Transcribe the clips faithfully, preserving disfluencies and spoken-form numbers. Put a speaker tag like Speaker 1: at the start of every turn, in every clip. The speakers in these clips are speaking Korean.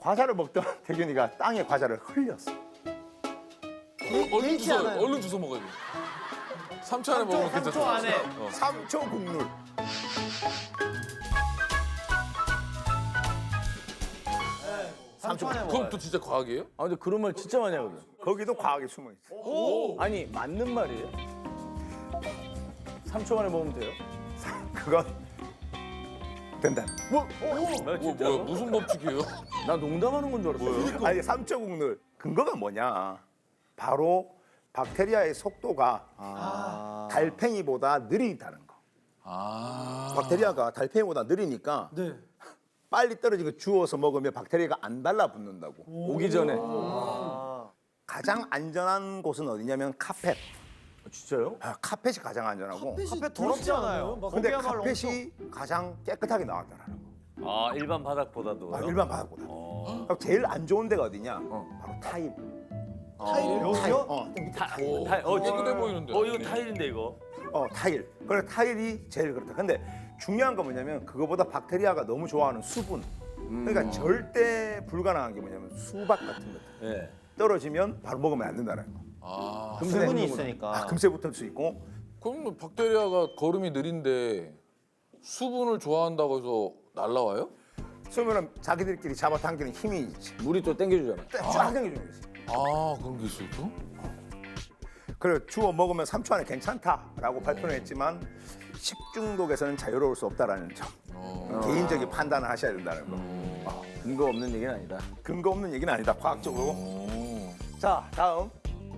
Speaker 1: 과자를 먹던 태균이가 땅에 과자를 흘렸어.
Speaker 2: 어, 얼른
Speaker 3: 개의치
Speaker 2: 주워,
Speaker 3: 않아요.
Speaker 2: 얼른 주워 먹어야 돼. 삼 초 안에 먹으면
Speaker 3: 삼 초
Speaker 2: 괜찮다.
Speaker 3: 안에.
Speaker 2: 어.
Speaker 1: 삼 초 국룰.
Speaker 3: 삼 초 안에
Speaker 2: 그럼 또 진짜 과학이에요?
Speaker 4: 아 근데 그런 말 진짜 많이 하거든.
Speaker 1: 거기도 과학이 숨어 있어.
Speaker 4: 아니 맞는 말이에요? 삼 초 만에 먹으면 돼요?
Speaker 1: 그건 된다.
Speaker 4: 뭐?
Speaker 2: 뭐, 뭐야, 무슨 법칙이에요?
Speaker 4: 나 농담하는 건 줄 알았어.
Speaker 1: 아니 삼 초 국룰 근거가 뭐냐? 바로 박테리아의 속도가
Speaker 4: 아.
Speaker 1: 달팽이보다 느리다는 거.
Speaker 2: 아.
Speaker 1: 박테리아가 달팽이보다 느리니까
Speaker 3: 네.
Speaker 1: 빨리 떨어진 거 주워서 먹으면 박테리아가 안 달라붙는다고.
Speaker 4: 오기 전에.
Speaker 1: 가장 안전한 곳은 어디냐면 카펫.
Speaker 4: 아, 진짜요?
Speaker 1: 아, 카펫이 가장 안전하고.
Speaker 3: 카페 더럽지 않아요? 막
Speaker 1: 근데
Speaker 3: 거기야말로
Speaker 1: 카펫이 가장 깨끗하게 나왔다는 거.
Speaker 5: 아 일반 바닥보다도.
Speaker 1: 아, 일반 바닥보다. 그럼 제일 안 좋은 데가 어디냐? 바로 타일.
Speaker 3: 타일
Speaker 1: 타일.
Speaker 3: 여기요?
Speaker 1: 어, 밑에 타일.
Speaker 2: 오,
Speaker 5: 타- 어,
Speaker 2: 깨끗해 보이는데.
Speaker 5: 어 이거 타일인데 이거.
Speaker 1: 어, 타일. 그래 타일이 제일 그렇다. 근데 중요한 건 뭐냐면 그거보다 박테리아가 너무 좋아하는 수분. 그러니까 절대 불가능한 게 뭐냐면 수박 같은 것.
Speaker 5: 예.
Speaker 1: 떨어지면 바로 먹으면 안 된다는 거.
Speaker 2: 아.
Speaker 3: 수분이 있으니까.
Speaker 1: 아, 금세 붙을 수 있고.
Speaker 2: 그럼 뭐 박테리아가 걸음이 느린데 수분을 좋아한다고 해서 날라와요?
Speaker 1: 그러면 자기들끼리 잡아당기는 힘이 있지.
Speaker 4: 물이 또 땡겨주잖아.
Speaker 1: 쫙 당겨주는 거지.
Speaker 2: 아, 그런 게 있어요, 또?
Speaker 1: 그래 주워 먹으면 삼 초 안에 괜찮다라고 발표는 했지만 식중독에서는 자유로울 수 없다라는 점.
Speaker 2: 어.
Speaker 1: 개인적인 판단을 하셔야 된다는 거.
Speaker 4: 아, 근거 없는 얘기는 아니다.
Speaker 1: 근거 없는 얘기는 아니다. 과학적으로.
Speaker 2: 오.
Speaker 1: 자 다음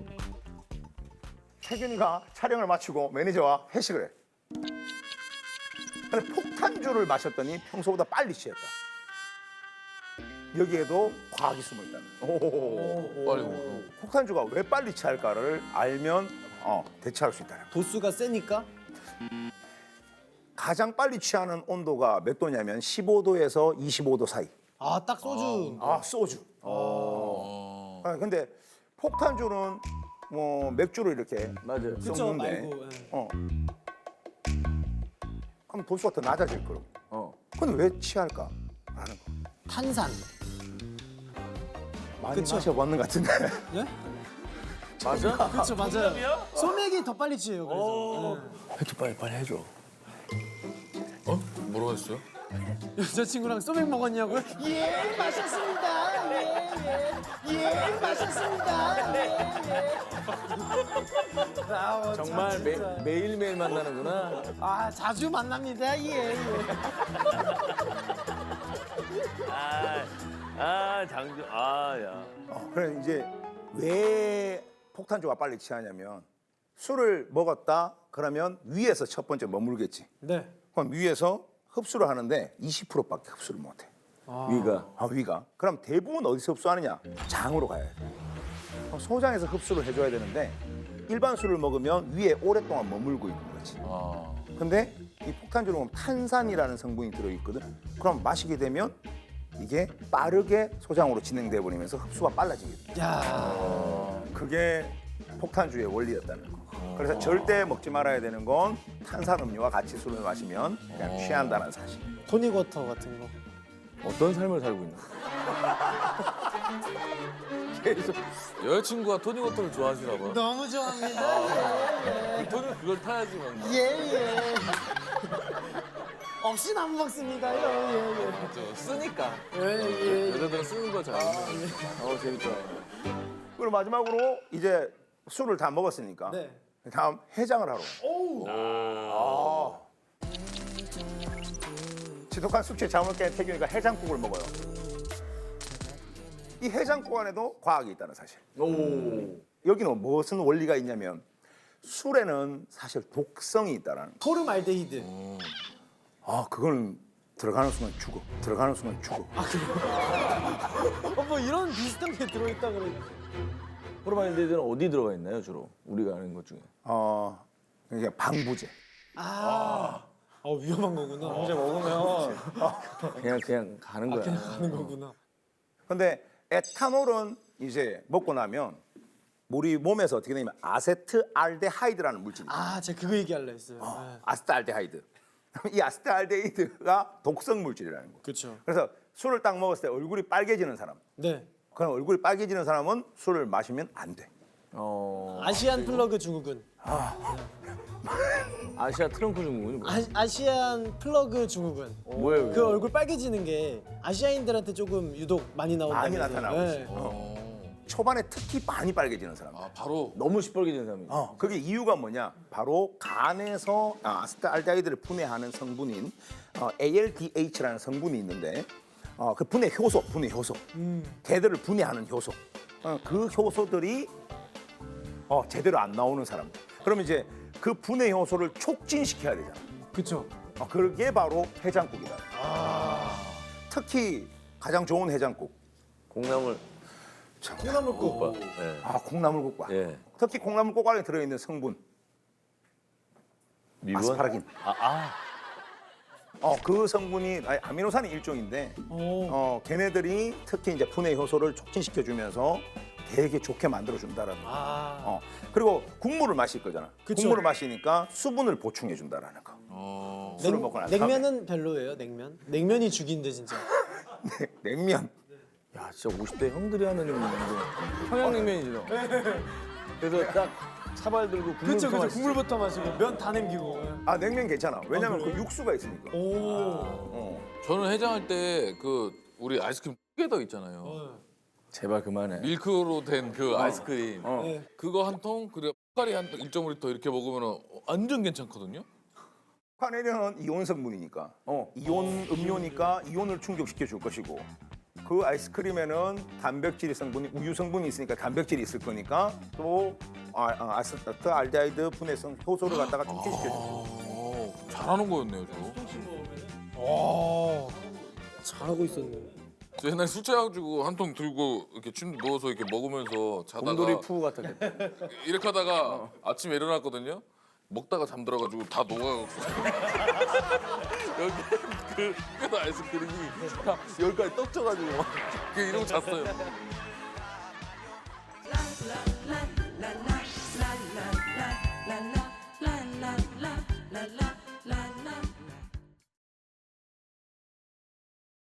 Speaker 1: 태균이가 촬영을 마치고 매니저와 회식을 해. 근데 폭탄주를 마셨더니 평소보다 빨리 취했다. 여기에도 과학이 숨어 있다는 거.
Speaker 2: 빨리 먹어.
Speaker 1: 폭탄주가 왜 빨리 취할까를 알면 어, 대처할 수 있다는 거.
Speaker 3: 도수가 세니까?
Speaker 1: 가장 빨리 취하는 온도가 몇 도냐면 십오 도에서 이십오 도 사이.
Speaker 3: 아, 딱 소주.
Speaker 1: 아 소주.
Speaker 2: 어.
Speaker 1: 아, 근데 폭탄주는 뭐 맥주로 이렇게
Speaker 4: 맞아요.
Speaker 3: 그쵸,
Speaker 1: 섞는데
Speaker 3: 말고. 예.
Speaker 1: 어. 그럼 도수가 더 낮아질 거고.
Speaker 4: 어.
Speaker 1: 근데 왜 취할까? 라는 거.
Speaker 3: 탄산.
Speaker 1: 많이
Speaker 3: 그쵸.
Speaker 1: 마셔봤는 것 같은데.
Speaker 3: 예?
Speaker 4: 맞아?
Speaker 3: 그렇죠, 맞아요. 소맥이 더 빨리 취해요. 그래서.
Speaker 4: 해줘 빨리 빨리 해줘.
Speaker 2: 어? 뭐라고 했어요?
Speaker 3: 예. 여자친구랑 소맥 먹었냐고요? 예, 마셨습니다. 예, 예. 예, 마셨습니다. 예, 예. 아, 뭐
Speaker 4: 정말
Speaker 3: 참,
Speaker 4: 매,
Speaker 3: 진짜.
Speaker 4: 매일매일 만나는구나.
Speaker 3: 아, 자주 만납니다. 예, 예.
Speaker 5: 아, 아 장주. 아 야.
Speaker 1: 어, 그래 이제 왜 폭탄주가 빨리 취하냐면 술을 먹었다 그러면 위에서 첫 번째 머물겠지.
Speaker 3: 네.
Speaker 1: 그럼 위에서 흡수를 하는데 이십 퍼센트밖에 흡수를 못해.
Speaker 4: 위가.
Speaker 1: 아, 위가. 그럼 대부분 어디서 흡수하느냐? 장으로 가야 돼. 그럼 소장에서 흡수를 해줘야 되는데 일반 술을 먹으면 위에 오랫동안 머물고 있는 거지.
Speaker 2: 아.
Speaker 1: 근데 이 폭탄주를 보면 탄산이라는 성분이 들어있거든. 그럼 마시게 되면 이게 빠르게 소장으로 진행돼 버리면서 흡수가 빨라지게 돼.
Speaker 3: 야.
Speaker 1: 그게 폭탄주의 원리였다는 거. 그래서 절대 먹지 말아야 되는 건 탄산음료와 같이 술을 마시면 그냥 취한다는 사실.
Speaker 3: 토닉 워터 같은 거.
Speaker 4: 어떤 삶을 살고 있나?
Speaker 2: 계속 여자친구가 토닉워터를 좋아하시나 봐.
Speaker 3: 너무 좋아합니다. 예,
Speaker 2: 토닉 그걸 타야지만.
Speaker 3: 예. 예, 예. 없이는 안 먹습니다요. 예, 예.
Speaker 2: 맞죠. 쓰니까.
Speaker 3: 예, 예.
Speaker 2: 여자들은 쓰는 거 잘.
Speaker 4: 어 재밌다.
Speaker 1: 그리고 마지막으로 이제 술을 다 먹었으니까
Speaker 3: 네.
Speaker 1: 다음 해장을 하러. 아. 지독한 숙취에 잠을 깬 태균이가 해장국을 먹어요. 이 해장국 안에도 과학이 있다는 사실.
Speaker 4: 오.
Speaker 1: 여기는 무슨 원리가 있냐면 술에는 사실 독성이 있다라는 거.
Speaker 3: 포름알데히드.
Speaker 1: 아, 그건 들어가는 순간 죽어. 들어가는 순간 죽어.
Speaker 3: 어, 뭐 이런 비슷한 게 들어있다 그래.
Speaker 4: 포르마일데이드는 어디 들어가 있나요 주로? 우리가 아는 것 중에.
Speaker 1: 어, 그러니까 방부제.
Speaker 3: 아. 어, 위험한 거구나. 이제 먹으면
Speaker 4: 그냥 그냥 가는 거야.
Speaker 3: 하는 거구나.
Speaker 1: 근데 에탄올은 이제 먹고 나면 우리 몸에서 어떻게 되냐면 아세트알데하이드라는 물질이 있어요.
Speaker 3: 아, 제가 그거 얘기하려 했어요. 네.
Speaker 1: 아세트알데하이드. 이 아세트알데하이드가 독성 물질이라는 거.
Speaker 3: 그렇죠.
Speaker 1: 그래서 술을 딱 먹었을 때 얼굴이 빨개지는 사람.
Speaker 3: 네.
Speaker 1: 그럼 얼굴이 빨개지는 사람은 술을 마시면 안 돼.
Speaker 4: 어.
Speaker 3: 아시안 플러그 증후군.
Speaker 4: 아시아 트렁크 증후군이 뭐야?
Speaker 3: 아, 아시안 플러그 증후군.
Speaker 4: 뭐예요?
Speaker 3: 그 얼굴 빨개지는 게 아시아인들한테 조금 유독 많이 나온다.
Speaker 1: 많이 나타나고 있어요.
Speaker 2: 어.
Speaker 1: 초반에 특히 많이 빨개지는 사람.
Speaker 2: 아 바로
Speaker 4: 너무 시뻘개진 사람이.
Speaker 1: 어, 그게 이유가 뭐냐? 바로 간에서 아, 아세트알데히드를 분해하는 성분인 어, 에이엘디에이치라는 성분이 있는데 어, 그 분해 효소, 분해 효소, 걔들을 분해하는 효소, 어, 그 효소들이 어, 제대로 안 나오는 사람들. 그럼 이제 그 분해 효소를 촉진시켜야 되잖아.
Speaker 3: 그렇죠.
Speaker 1: 어, 그게 바로 해장국이다. 특히 가장 좋은 해장국.
Speaker 5: 콩나물.
Speaker 3: 콩나물국.
Speaker 5: 예.
Speaker 1: 아, 콩나물국과.
Speaker 5: 예.
Speaker 1: 특히 콩나물국 안에 들어있는 성분
Speaker 5: 미원?
Speaker 1: 아스파라긴.
Speaker 5: 아, 아.
Speaker 1: 어, 그 성분이 아니, 아미노산의 일종인데
Speaker 3: 오.
Speaker 1: 어, 걔네들이 특히 이제 분해 효소를 촉진시켜 주면서 되게 좋게 만들어 준다라는 거.
Speaker 3: 아.
Speaker 1: 어. 그리고 국물을 마실 거잖아.
Speaker 3: 그쵸.
Speaker 1: 국물을 마시니까 수분을 보충해 준다라는 거.
Speaker 2: 어.
Speaker 1: 술을 먹고 난 다음에.
Speaker 3: 냉면은 별로예요. 냉면. 냉면이 죽인데 진짜.
Speaker 1: 냉면.
Speaker 4: 야, 진짜 오십 대 형들이 하는 건데. 평양냉면이지 너. 그래서 딱 차발 들고 국물
Speaker 3: 그렇죠, 그렇죠.
Speaker 4: 마시지.
Speaker 3: 국물부터 마시고 면 다 남기고.
Speaker 1: 아, 냉면 괜찮아. 왜냐면
Speaker 3: 아,
Speaker 1: 그
Speaker 3: 그래요?
Speaker 1: 육수가 있으니까.
Speaker 3: 오.
Speaker 1: 어.
Speaker 2: 저는 해장할 때 그 우리 아이스크림 깨더 있잖아요.
Speaker 3: 어.
Speaker 4: 제발 그만해.
Speaker 2: 밀크로 된 그 아이스크림.
Speaker 1: 어.
Speaker 3: 네.
Speaker 2: 그거 한 통, 그리고 포카리 한 일 점 오 리터 이렇게 먹으면 완전 괜찮거든요.
Speaker 1: 카네린은 이온 성분이니까. 어, 이온 음료니까 이온을 충족시켜 줄 것이고. 그 아이스크림에는 단백질 성분이 우유 성분이 있으니까 단백질이 있을 거니까 또 아, 아, 아세트 알데히드 분해성 효소를 갖다가 촉진시켜 줘.
Speaker 2: 어, 잘하는 거였네요, 저.
Speaker 3: 와. 잘하고 있었네.
Speaker 2: 저 옛날에 술 취해가지고 한 통 들고 이렇게 침 누워서 이렇게 먹으면서 자다가
Speaker 4: 곰돌이 푸 같았겠다.
Speaker 2: 이렇게 하다가 아침에 일어났거든요. 먹다가 잠들어가지고 다 녹아가지고 여기 그 깨더 아이스크림이 다 여기까지 떡져가지고 막 이러고 잤어요.